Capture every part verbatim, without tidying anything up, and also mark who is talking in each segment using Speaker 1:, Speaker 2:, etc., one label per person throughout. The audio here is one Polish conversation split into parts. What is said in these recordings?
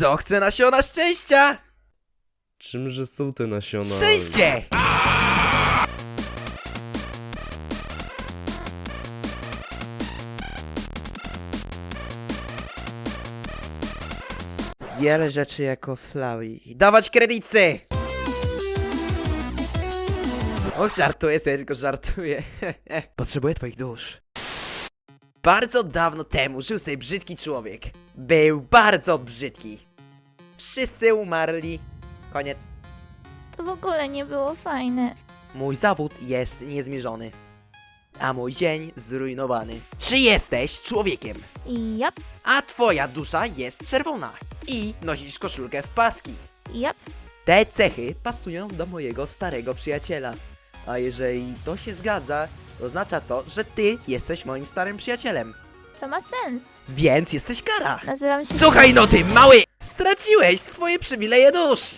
Speaker 1: Kto chce nasiona szczęścia?
Speaker 2: Czymże są te nasiona?
Speaker 1: Szczęście! Wiele rzeczy jako Flowey. Dawać kredyty! Och, żartuję sobie, tylko żartuję. Potrzebuję twoich dusz. Bardzo dawno temu żył sobie brzydki człowiek. Był bardzo brzydki. Wszyscy umarli. Koniec.
Speaker 3: To w ogóle nie było fajne.
Speaker 1: Mój zawód jest niezmierzony, a mój dzień zrujnowany. Czy jesteś człowiekiem?
Speaker 3: Jap,
Speaker 1: A twoja dusza jest czerwona i nosisz koszulkę w paski.
Speaker 3: jap.
Speaker 1: Te cechy pasują do mojego starego przyjaciela. A jeżeli to się zgadza, oznacza to, że ty jesteś moim starym przyjacielem.
Speaker 3: To ma sens.
Speaker 1: Więc jesteś kara.
Speaker 3: Nazywam się...
Speaker 1: Słuchaj no ty, mały! Straciłeś swoje przywileje dusz!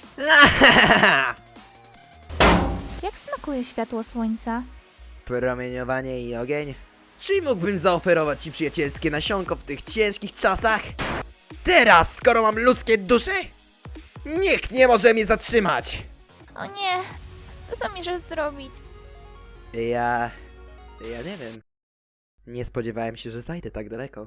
Speaker 3: Jak smakuje światło słońca?
Speaker 1: Promieniowanie i ogień. Czy mógłbym zaoferować ci przyjacielskie nasionko w tych ciężkich czasach? Teraz, skoro mam ludzkie dusze? Nikt nie może mnie zatrzymać!
Speaker 3: O nie! Co zamierzasz zrobić?
Speaker 1: Ja... ja nie wiem. Nie spodziewałem się, że zajdę tak daleko.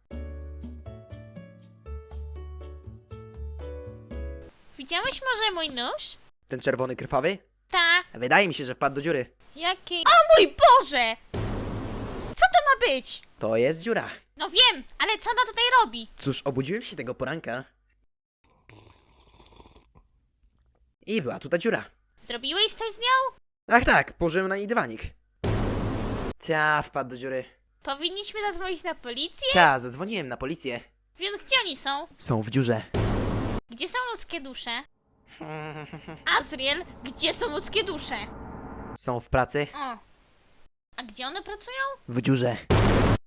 Speaker 4: Widziałeś może mój nóż?
Speaker 1: Ten czerwony krwawy?
Speaker 4: Ta.
Speaker 1: Wydaje mi się, że wpadł do dziury.
Speaker 4: Jaki... O mój Boże! Co to ma być?
Speaker 1: To jest dziura.
Speaker 4: No wiem, ale co ona tutaj robi?
Speaker 1: Cóż, obudziłem się tego poranka. I była tu ta dziura.
Speaker 4: Zrobiłeś coś z nią?
Speaker 1: Ach tak, położyłem na niej dywanik. Cia, wpadł do dziury.
Speaker 4: Powinniśmy zadzwonić na policję?
Speaker 1: Cia, zadzwoniłem na policję.
Speaker 4: Więc gdzie oni są?
Speaker 1: Są w dziurze.
Speaker 4: Gdzie są ludzkie dusze? Azriel, gdzie są ludzkie dusze?
Speaker 1: Są w pracy.
Speaker 4: O. A gdzie one pracują?
Speaker 1: W dziurze.